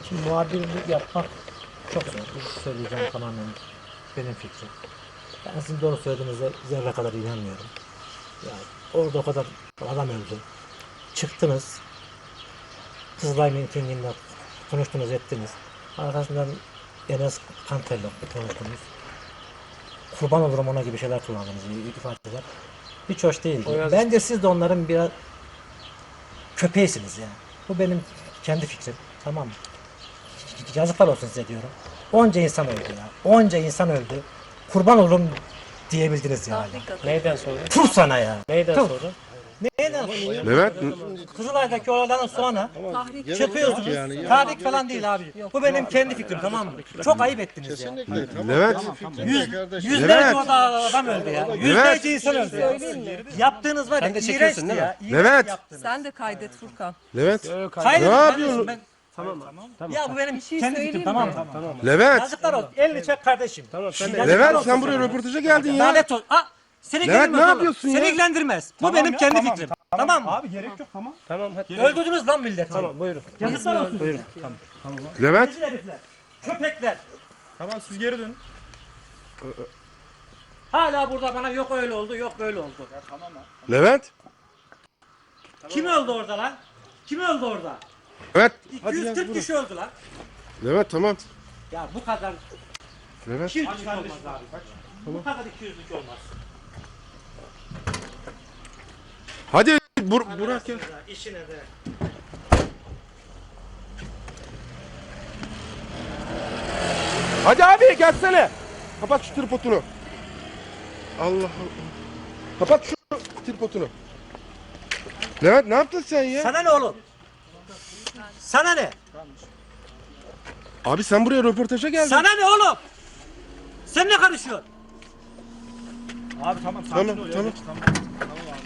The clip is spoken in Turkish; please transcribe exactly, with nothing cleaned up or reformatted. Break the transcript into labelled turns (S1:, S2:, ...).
S1: Şimdi muhabirlik yapmak çok zor. Bu söyleyeceğim tamamen benim fikrim. Ben sizin doğru söylediğinize zerre kadar inanmıyorum. Yani orada o kadar adam öldü. Çıktınız. Kızılay mitinginde konuştunuz, ettiniz. Arkasından Enes Kanter'le konuştunuz. Kurban olurum ona gibi şeyler kullandınız, ifadeler. Hiç hoş değil. Bence siz de onların biraz köpeğisiniz yani. Bu benim kendi fikrim. Tamam mı? Yazıklar olsun size diyorum. Onca insan öldü ya. Onca insan öldü. Kurban olurum diyebildiniz yani.
S2: Neyden sonra?
S1: Tuh sana ya.
S2: Neyden
S1: Tuh.
S2: sonra?
S1: Neyden sonra?
S3: Levent,
S1: Kızılay'daki olaylardan sonra çıkıyorsunuz.
S4: yani.
S1: Tahrik falan değil abi. Bu benim kendi fikrim, tamam mı? Çok ayıp ettiniz ya.
S4: Kesinlikle. Tamam.
S3: Levent.
S1: Yüz,
S4: kardeşim.
S1: yüzlerce
S3: Levent.
S1: orada adam öldü ya. Yüzlerce insan öldü ya. Yaptığınız var ya,
S2: Sen de çekiyorsun
S1: iğrençti
S2: değil mi?
S1: ya. İğrenç
S3: Levent.
S1: yaptınız.
S5: Sen de kaydet Furkan.
S3: Levent,
S1: Hayır,
S3: Ne
S1: ben-
S3: yapıyorsun?
S1: Ben,
S2: Tamam. Tamam.
S1: ya bu benim
S5: şey
S1: kendi
S5: söyleyeyim
S1: fikrim, tamam
S5: mi?
S1: mı?
S2: Tamam.
S3: Levent,
S1: Yazıklar olsun. Elini çek kardeşim.
S2: Tamam sen de.
S1: Yazıklar
S3: Levent
S1: olsun
S3: sen buraya
S1: sana.
S3: röportaja geldin ya.
S1: Lanet olsun. Aa, seni
S3: Levent,
S1: ilgilendirmez
S3: ne
S1: oğlum.
S3: yapıyorsun
S1: Seni
S3: ya?
S1: ilgilendirmez. Bu benim kendi fikrim. Tamam mı?
S6: Abi gerek yok, tamam.
S2: Tamam hadi.
S1: Öldürdünüz lan milleti.
S2: Tamam buyurun.
S1: Yazıklar olsun.
S2: Buyurun.
S3: Levent,
S1: Rezil herifler. Köpekler.
S6: Tamam siz geri dönün.
S1: Hala burada bana yok öyle oldu, yok böyle oldu.
S3: Levent,
S1: Kim öldü orada lan? Kim öldü orada?
S3: Levent,
S1: iki yüz kırk kişi öldü lan.
S3: Levent tamam.
S1: Ya bu kadar
S3: Levent,
S1: iki yüzlük olmaz abi. Bu kadar iki yüzlük olmaz.
S3: hadi Bur Burak ya.
S1: İşine de.
S3: Hadi abi gelsene. Kapat şu tripodunu. Allah Allah. Kapat şu tripodunu. Levent ne yaptın sen ya?
S1: Sana ne oğlum? Sana ne?
S3: Abi sen buraya röportaja geldin.
S1: Sana ne oğlum? Sen ne karışıyorsun?
S6: Abi tamam sakin
S3: Tamam,
S6: ol ya.
S3: tamam.
S6: Tamam. Tamam abi.